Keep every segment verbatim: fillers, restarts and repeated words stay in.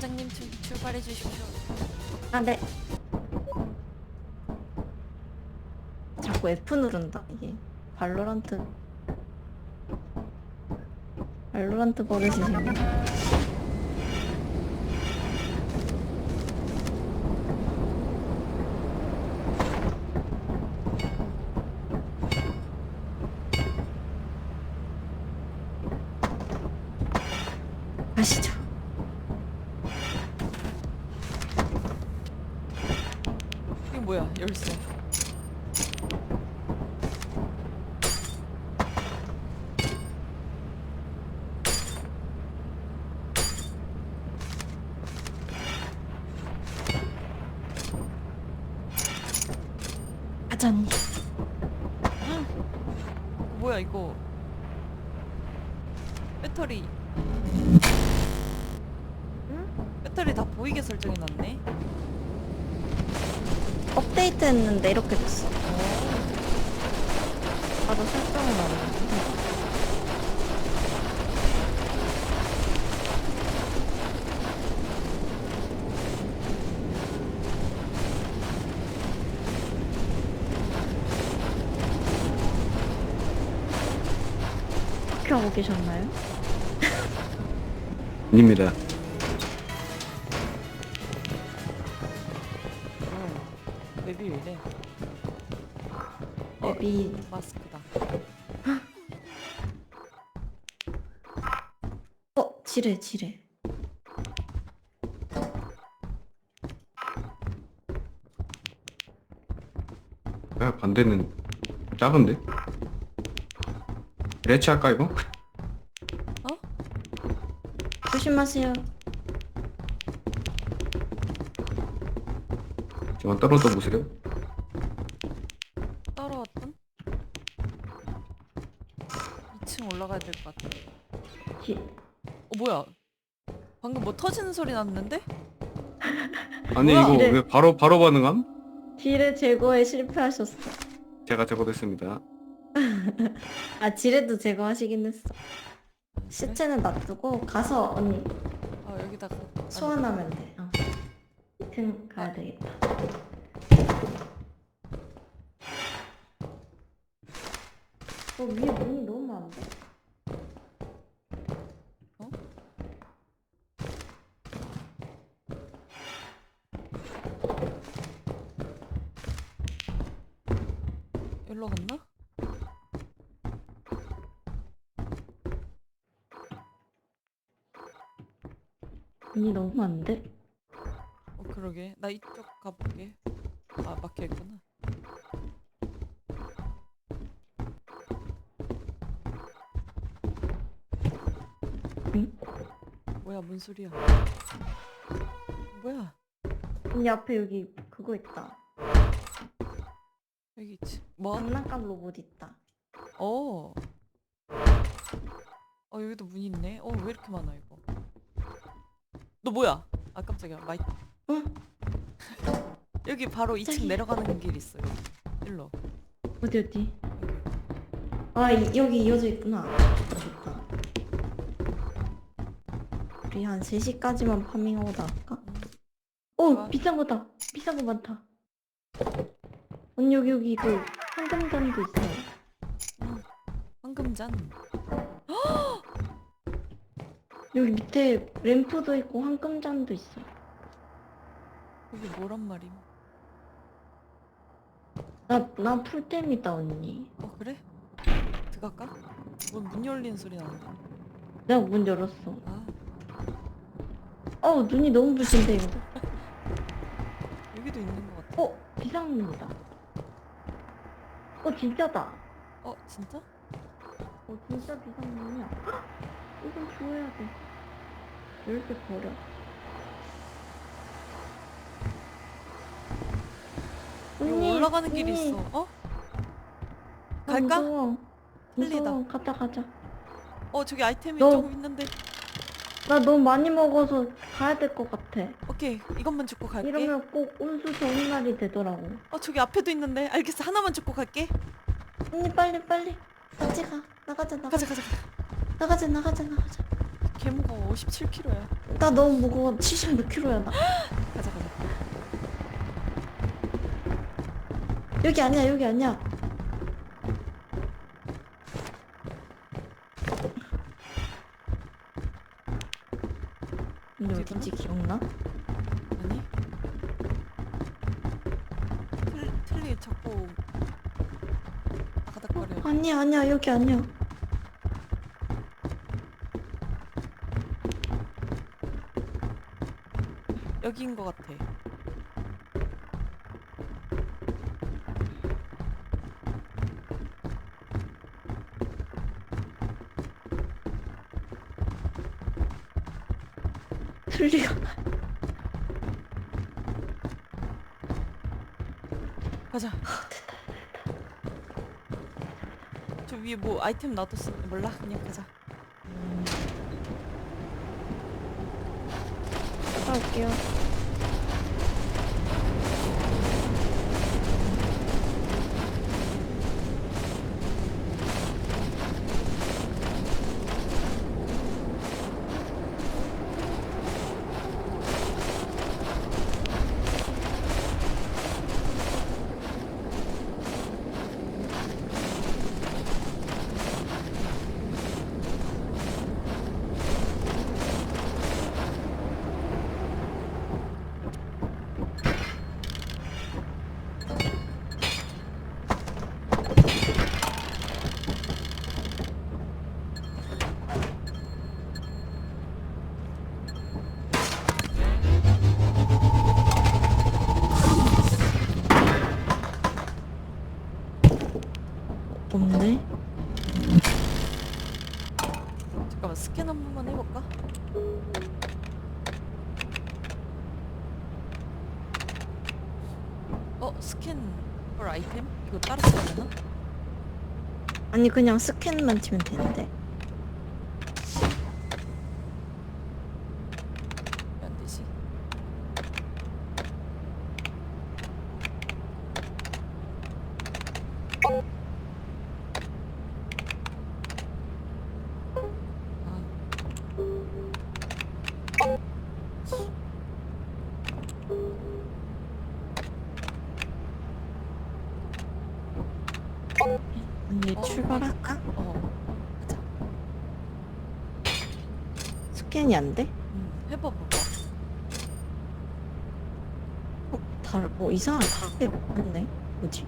선장님 출, 출발해 주십시오. 아, 네. 자꾸 F 누른다, 이게. 발로란트. 발로란트 버릇이시네. 가시죠. 이게 뭐야? 열쇠. 가자니. 뭐야 이거? 배터리. 응? 배터리 다 보이게 설정해 놨네. 업데이트 했는데 이렇게 됐어. 나도 설정을 놨는데. 어떻게 하고 계셨나요? 아닙니다. 어. 맵이 왜 이래? 앱이 마스크다. 어, 지뢰, 지뢰. 야, 반대는 작은데? 레치 할까 이거? 조심하세요. 잠깐 떨어져 보세요. 따라왔던? 이 층 올라가야 될 것 같아. 지... 어 뭐야? 방금 뭐 터지는 소리 났는데? 아니 뭐야? 이거 이래. 왜 바로 바로 반응함? 지뢰 제거에 실패하셨어. 제가 제거됐습니다. 아, 지뢰도 제거하시긴 했어. 시체는 놔두고 가서 언니 아 여기다가 소환하면 돼. 어. 이 층 가야 되겠다. 어, 위에 문이 너무 많은데? 어? 여기로 갔나? 문이 너무 많은데? 어 그러게. 나 이쪽 가볼게. 아 막혀있구나. 응? 뭐야 뭔 소리야? 뭐야? 언니 앞에 여기 그거 있다. 여기 있지. 뭐? 장난감 로봇 있다. 어. 어 여기도 문 있네. 어 왜 이렇게 많아 이거? 너 뭐야? 아 깜짝이야. 마이. 응? 여기 바로 이 층 저기. 내려가는 길 있어. 여기. 일로. 어디 어디? 여기. 아, 이, 여기 이어져 있구나. 좋다. 우리 한 세 시까지만 파밍하고 나갈까? 음. 오! 좋아. 비싼 거다. 비싼 거 많다. 언니 여기 여기 그 황금단도 있어요. 음. 황금잔. 여기 밑에 램프도 있고 황금잔도 있어. 여기 뭐란 말임? 나, 나 풀템이다 언니. 어 그래? 들어갈까? 뭔 문 열리는 소리 나는데? 내가 문 열었어. 아 어, 눈이 너무 부신데 이거. 여기도 있는 것 같아. 어, 비상문이다. 어, 진짜다. 어 진짜? 어, 진짜 비상문이야. 헉! 이건 주워야 돼. 열쇠 버려. 여기 언니, 올라가는 길이 언니. 있어. 어? 나 갈까? 무서워. 틀리다. 무서워. 가자 가자. 어 저기 아이템이 너- 조금 있는데. 나 너무 많이 먹어서 가야 될 것 같아. 오케이 이것만 줍고 갈게. 이러면 꼭 운수 좋은 날이 되더라고. 어 저기 앞에도 있는데. 알겠어 하나만 줍고 갈게. 언니 빨리 빨리 같이 가. 나가자 나가자 가자 가자 가자. 나가자 나가자 나가자. 개 무거워. 오십칠 킬로그램야. 나 너무 무거워. 칠십육 킬로야 나. 가자 가자. 여기 아니야 여기 아니야. 근데 어딘지 기억나? 아니? 틀 틀리 자꾸 아가닥거려. 아니야 아니야 여기 아니야. 여기인 것 같아. 틀리가. 가자. 저 위에 뭐 아이템 놔뒀어. 몰라. 그냥 가자. 갔다 올게요. 없네. 잠깐만 스캔 한 번만 해볼까? 어 스캔 헐 아이템? 이거 따로 써야 되나? 아니 그냥 스캔만 치면 되는데. 왜 안 되지? 언니 어, 출발할까? 어 가자. 스캔이 안 돼? 음, 해봐봐. 어, 달, 뭐 이상하게 다르게 맞네. 뭐지?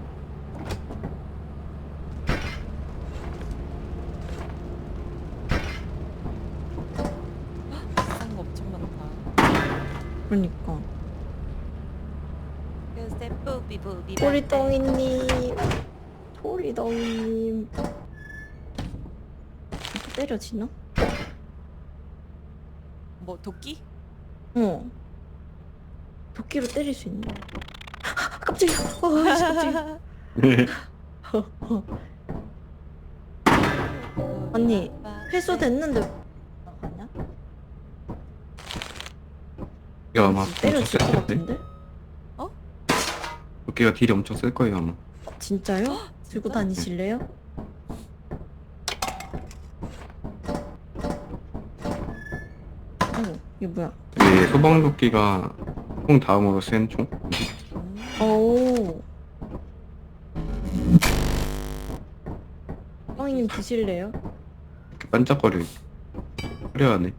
비싼 거 엄청 많다. 그러니까. 글쎄 뿌비 뿌비 토리덩이님, 토리덩이님. 때려지나? 뭐 도끼? 어. 도끼로 때릴 수 있네. 깜짝이야. 어, 씨, 깜짝이야. 어, 어. 언니, 회수됐는데 나가냐? 도끼가 아마 때려질 것 엄청 셀 텐데? 같은데? 도끼가 딜이 엄청 쓸 거예요 아마. 진짜요? 들고 진짜? 다니실래요? 어, 이게 뭐야? 이게 소방 도끼가 총 다음으로 센 총? 음. 오. 뻥이님 드실래요? 이렇게 반짝거려. 화려하네.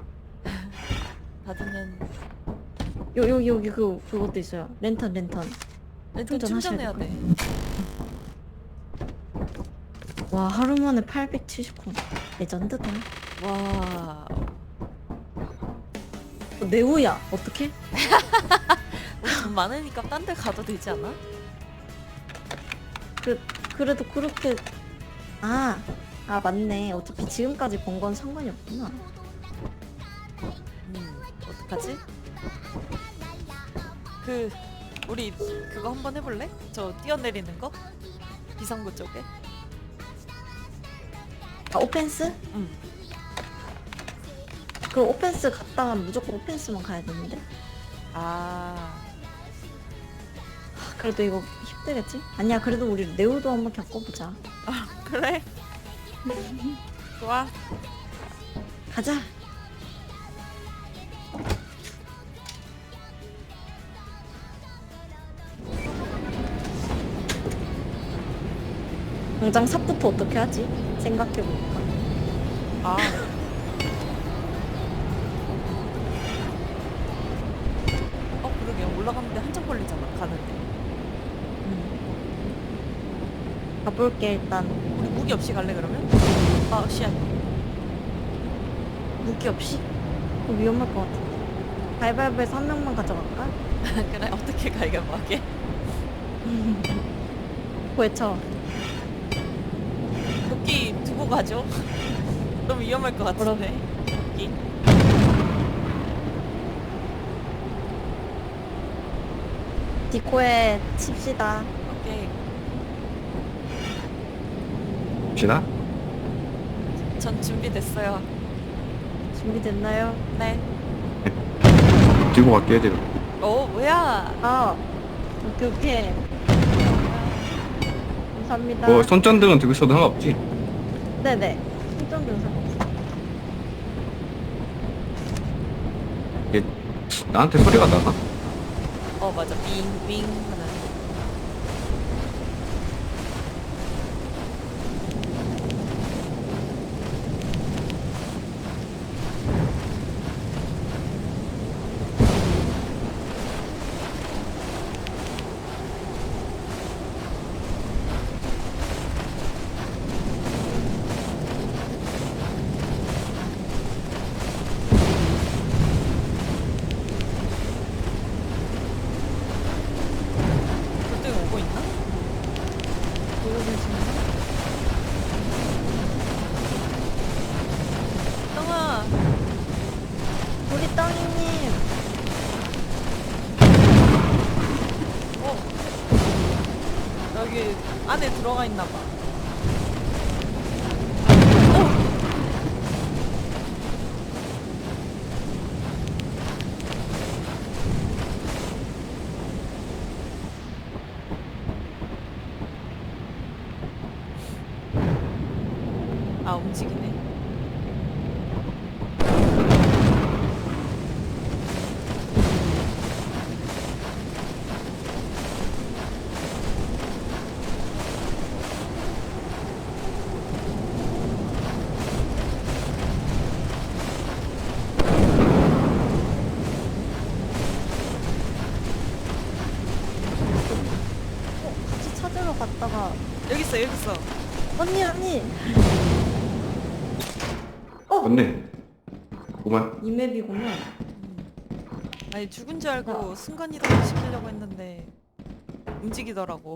닫으면 요, 여기, 여기 그, 그것도 있어요. 랜턴, 랜턴. 렌트 충전하셔야 충전해야 될 돼. 와, 하루 만에 팔백칠십 콘. 레전드다. 와. 어, 네오야, 어떡해? 우리 돈 많으니까 딴 데 가도 되지 않아? 그, 그래도 그렇게. 아, 아, 맞네. 어차피 지금까지 번 건 상관이 없구나. 음, 어떡하지? 그 우리 그거 한번 해볼래? 저 뛰어내리는 거? 비상구 쪽에? 아, 오펜스? 응. 그럼 오펜스 갔다가 무조건 오펜스만 가야 되는데? 아, 아, 그래도 이거 힘들겠지? 아니야, 그래도 우리 네오도 한번 겪어보자. 그래? 좋아. 가자. 당장 삽부터 어떻게 하지? 생각해보니까. 아. 어 그러게 올라가는데 한참 걸리잖아 가는데. 음. 가볼게 일단. 우리 무기 없이 갈래 그러면? 아 씨앗. 무기 없이? 그거 위험할 것 같은데. 가위바위보에서 한 명만 가져갈까? 그래 어떻게 갈겨보게? 외쳐. 도끼 두고 가죠. 너무 위험할 것 같은데. 도끼. 디코에 칩시다. 오케이. 봅시다. 전 준비됐어요. 준비됐나요? 네. 들고 갈게 얘들아. 어 뭐야? 아, 오케이 오케이. 감사합니다. 뭐 손전등은 들고 있어도 상관없지? 네네. 손전등 상관없어. 얘 나한테 소리가 나나? 어 맞아. 빙빙 하는. 돌덩이 오고 있나? 보고 계신가? 덩아. 우리 떡이님. 어. 여기 안에 들어가 있나 봐. 어. 아 움직이네. 어, 같이 찾으러 갔다가 여기 있어 여기 있어. 언니 언니. 어, 맞네. 그만. 이 맵이구만. 아니 죽은 줄 알고 순간이동 시키려고 했는데 움직이더라고.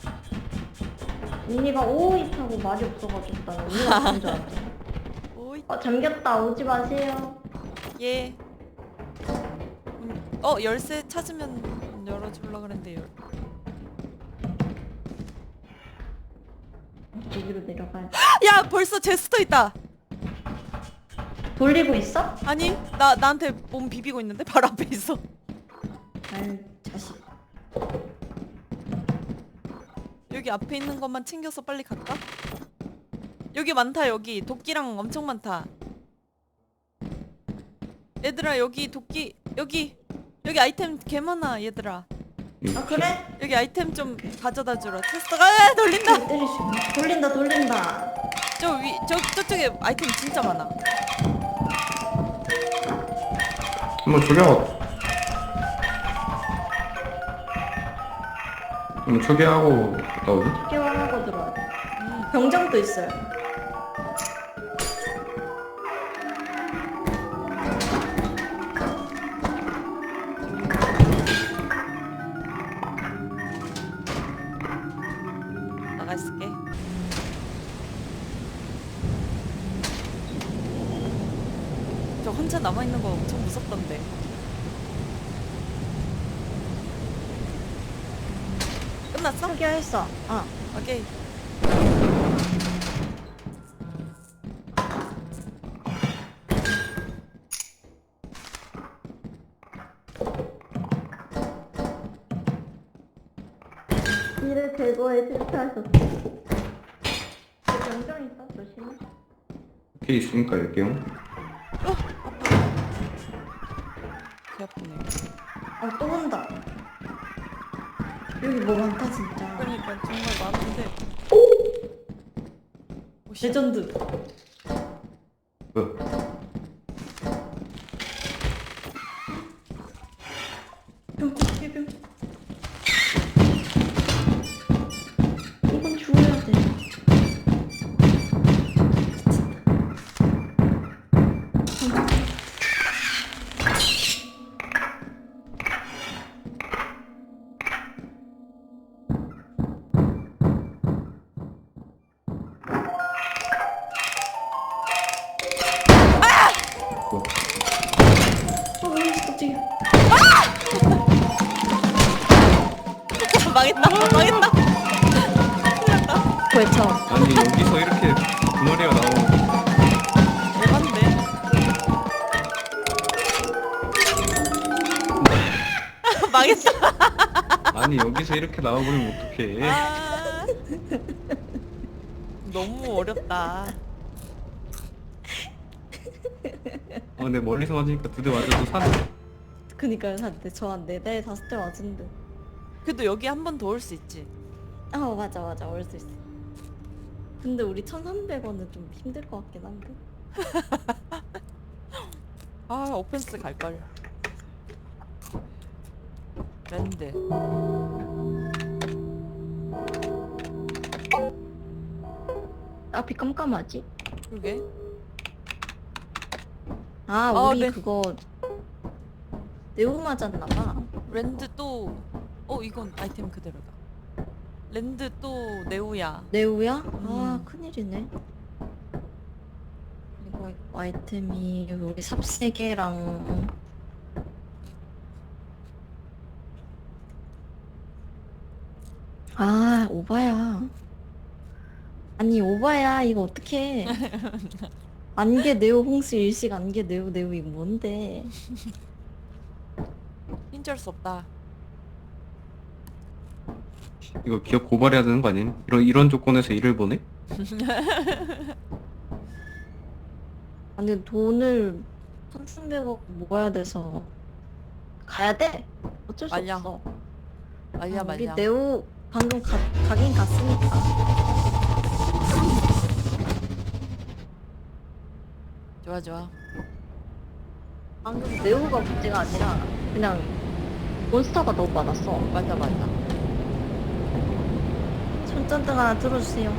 언니가 오이 타고 말이 없어가지고 나 언니가 그런 줄 알았어. 오이. 어, 잠겼다. 오지 마세요. 예. 음, 어 열쇠 찾으면 열어줄라 그랬는데 열. 여기로 내려가야 돼. 야 벌써 제스터 있다. 돌리고 있어? 아니 나 나한테 몸 비비고 있는데 바로 앞에 있어. 아유, 자식. 여기 앞에 있는 것만 챙겨서 빨리 갈까? 여기 많다 여기 도끼랑 엄청 많다. 얘들아 여기 도끼 여기 여기 아이템 개 많아 얘들아. 아, 그래? 여기 아이템 좀 가져다 주라. 테스터가 아, 돌린다. 때릴 수 있나? 돌린다, 돌린다. 저 위 저 저쪽에 아이템 진짜 많아. 한번 조려. 한번 초기하고 갔다 오지. 깨워하고 들어와. 음. 병장도 있어요. 나가 있을게. 저 혼자 남아 있는 거 엄청 무섭던데. 끝났어? 초기화했어. 어. 오케이. 이를 제거해 실패하셨어. 병장 있어? 조심해. 오케이 있으니까 열게요. 배 아프네. 아, 또 온다. 여기 뭐 많다, 진짜. 그러니까 정말 많은데. 오, 씨. 레전드. 뭐야? 뿅, 뿅, 뿅. 이건 주워야 돼. 뭐야? 어, 갑자기. 망했다. 망했다. 벌쳐. 아니 여기서 이렇게 두 마리가 나오고 대박인데. 망했다. 아니 여기서 이렇게 나와버리면 어떡해? 아. 너무 어렵다. 어 근데 멀리서 맞으니까 두 대 맞아도 사네. 그니까요, 한대 저한 네 대, 다섯 대 맞은데. 그래도 여기 한 번 더 올 수 있지. 아, 맞아, 맞아. 올 수 있어. 근데 우리 천삼백 원은 좀 힘들 것 같긴 한데. 아, 오펜스 갈걸. 랜드. 앞이 깜깜하지? 그러게. 아, 어, 우리 네. 그거 네오 맞았나봐. 랜드 또. 어, 이건 아이템 그대로다. 랜드 또 네오야. 네오야? 아, 음. 큰일이네. 그리고 아이템이 우리 삽 세 개랑 아, 오바야. 아니, 오바야. 이거 어떡해. 안개 네오 홍수 일식 안개 네오 네오 이거 뭔데? 힘쩔 수 없다. 이거 기업 고발해야 되는 거 아니니? 이런 이런 조건에서 일을 보내? 아니, 돈을 천삼백억 모아야 돼서 가야 돼. 어쩔 수 말려. 없어. 말야 아, 우리 말야. 네오 방금 가, 가긴 갔으니까. 좋아 좋아. 방금 네오가 문제가 아니라 그냥 몬스터가 너무 많았어. 맞아 맞아. 손전등 하나 들어주세요.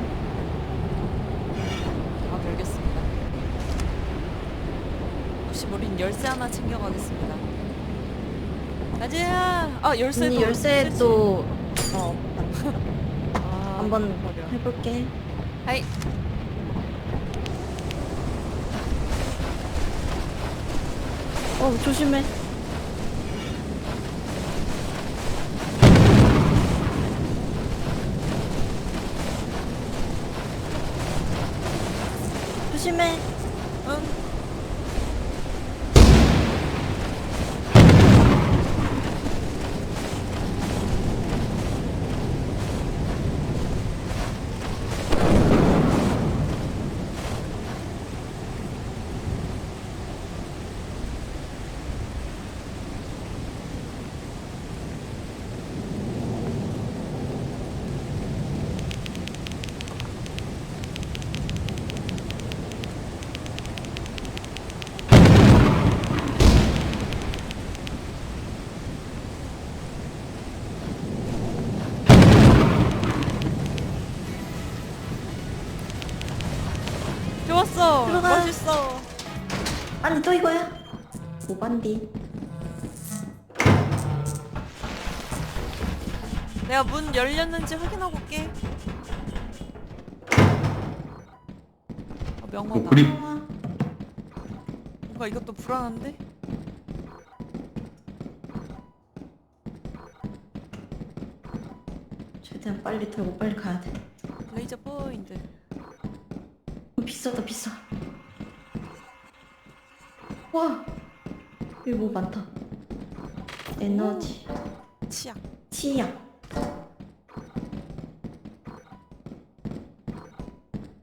아 별겠습니다. 혹시 모르니 열쇠 하나 챙겨가겠습니다. 가지야. 아 열쇠도. 언니 열쇠도 어 아, 한번 버려. 해볼게. 하이. 어, 조심해. 조심해. 응. 좋았어. 들어가. 멋있어. 아니, 또 이거야? 오반디. 내가 문 열렸는지 확인하고 올게. 아, 명화다. 어, 그림. 아, 뭔가 이것도 불안한데? 최대한 빨리 털고 빨리 가야 돼. 레이저 포인트. 어, 비싸다, 비싸. 와, 여기 뭐 많다. 에너지, 치약. 치약.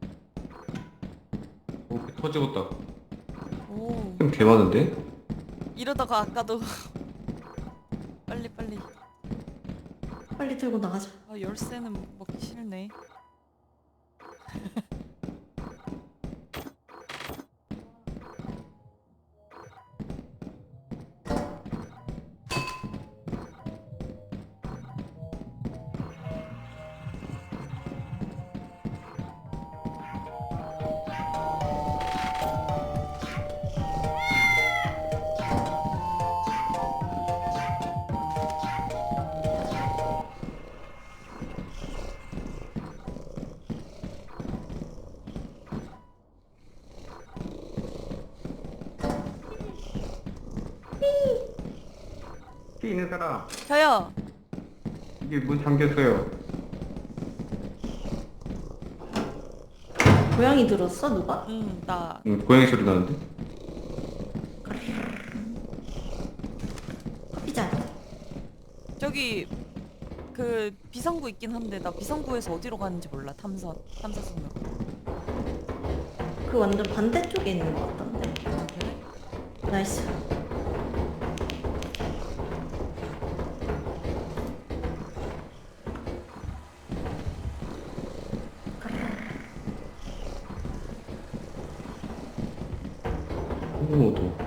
어, 터지겠다. 오. 좀 개 많은데? 이러다가 아까도 빨리 빨리. 빨리 들고 나가자. 아, 열쇠는 먹기 싫네. 피 있는 사람. 저요. 이게 문 잠겼어요. 고양이 들었어 누가? 응, 나. 응, 고양이 소리 나는데? 피자. 저기 그 비상구 있긴 한데 나 비상구에서 어디로 가는지 몰라. 탐선 탐사선으로. 그 완전 반대쪽에 있는 것 같던데. 아, 그래? 나이스. 오, 도.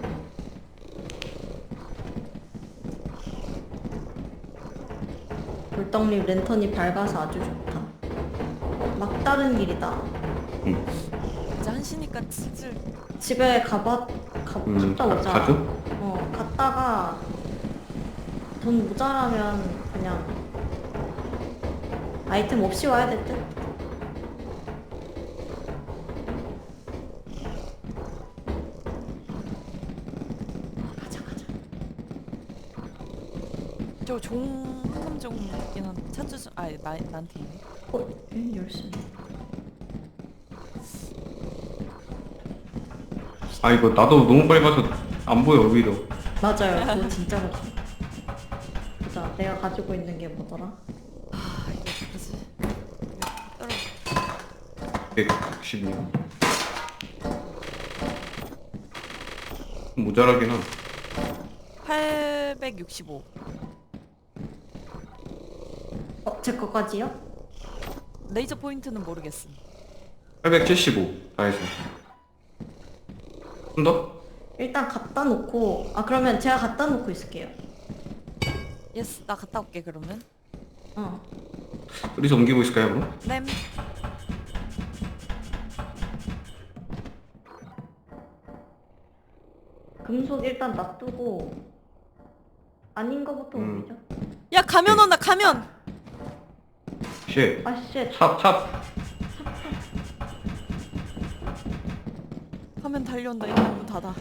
돌덩잎 랜턴이 밝아서 아주 좋다. 막다른 길이다. 응. 이제 한시니까 슬슬. 집에 가봐 가, 음, 갔다 오자. 가죠? 어 갔다가 돈 모자라면 그냥 아이템 없이 와야 될 듯. 가자 가자. 저종 황금종 있긴 한데 찾으. 아, 나 나한테 있네. 어 음, 열쇠. 아, 이거 나도 너무 빨리 가서 안 보여, 오히려. 맞아요. 그거 진짜로. 보자. 내가 가지고 있는 게 뭐더라? 아, 이게 어떡하지? 이거 떨어. 백육십이요. 모자라긴 한. 팔백육십오. 어, 제 거까지요? 레이저 포인트는 모르겠음. 팔백칠십오. 다 해서. 좀 더? 일단 갖다 놓고 아 그러면 제가 갖다 놓고 있을게요. 예스, 나 갔다 올게 그러면. 어. 어디서 옮기고 있을까요, 그럼? 램. 금속 일단 놔두고 아닌 거부터 음. 옮기죠. 야, 가면 온다. 가면. 쉣. 아 쉣. 찹, 찹. 가면 달려온다. 일단 문 닫아.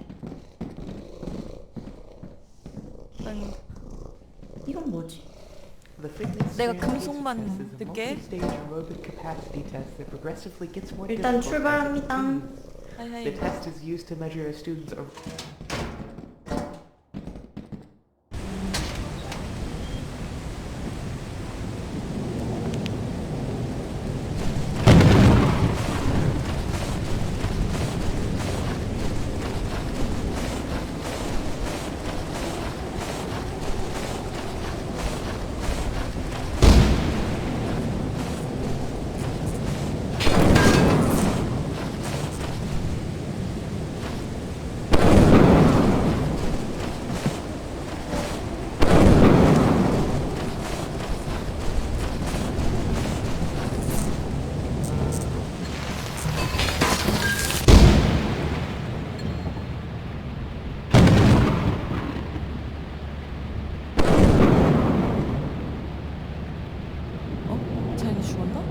일단 이건 뭐지? The fitness 내가 standard 금속만 test is a 듣게. multi-stage aerobic capacity test that progressively gets more 일단 difficult as it 출발합니다. proceeds. 하이하이. The test is used to measure a student's o- 어? 자연이 죽었나?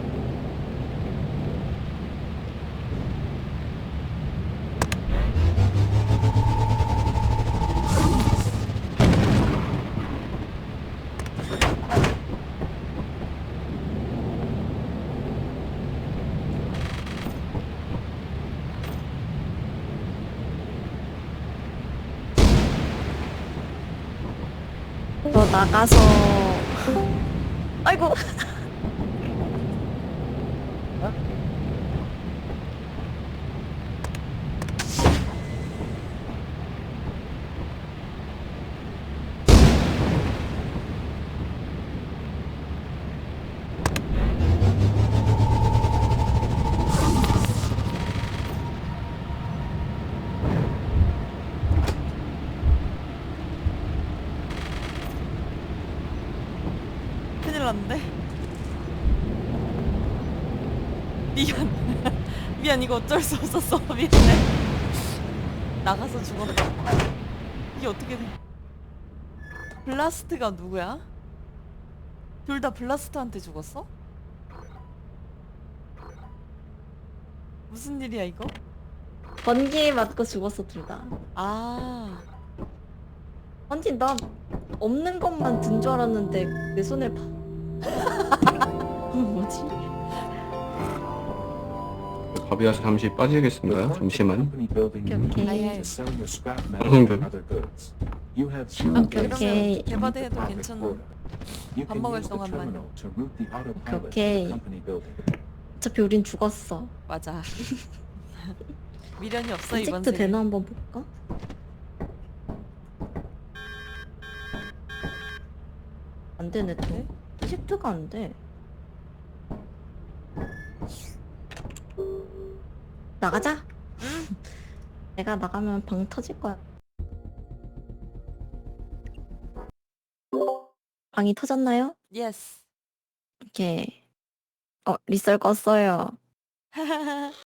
너 나가서 아이고 났는데. 미안. 미안 이거 어쩔 수 없었어. 미안해. 나가서 죽었다. 이게 어떻게 돼? 블라스트가 누구야? 둘 다 블라스트한테 죽었어? 무슨 일이야 이거? 번개에 맞고 죽었어 둘 다. 아 아니 나 없는 것만 든 줄 알았는데 내 손을 봐. 뭐지? 가비아서 잠시 빠지겠습니다. 잠시만. 오케이, 오케이. 방송들. 오케이, 오케이. 개바대해도 괜찮은. 밥 먹을 동안만요. 오케이, 오케이. 어차피 우린 죽었어. 맞아. 미련이 없어 이번 이집트 생에. 되나 한번 볼까? 안 되네 또. 이집트가 안 돼. 나가자. 내가 나가면 방 터질 거야. 방이 터졌나요? 예스. 오케이. 어, 리썰 껐어요.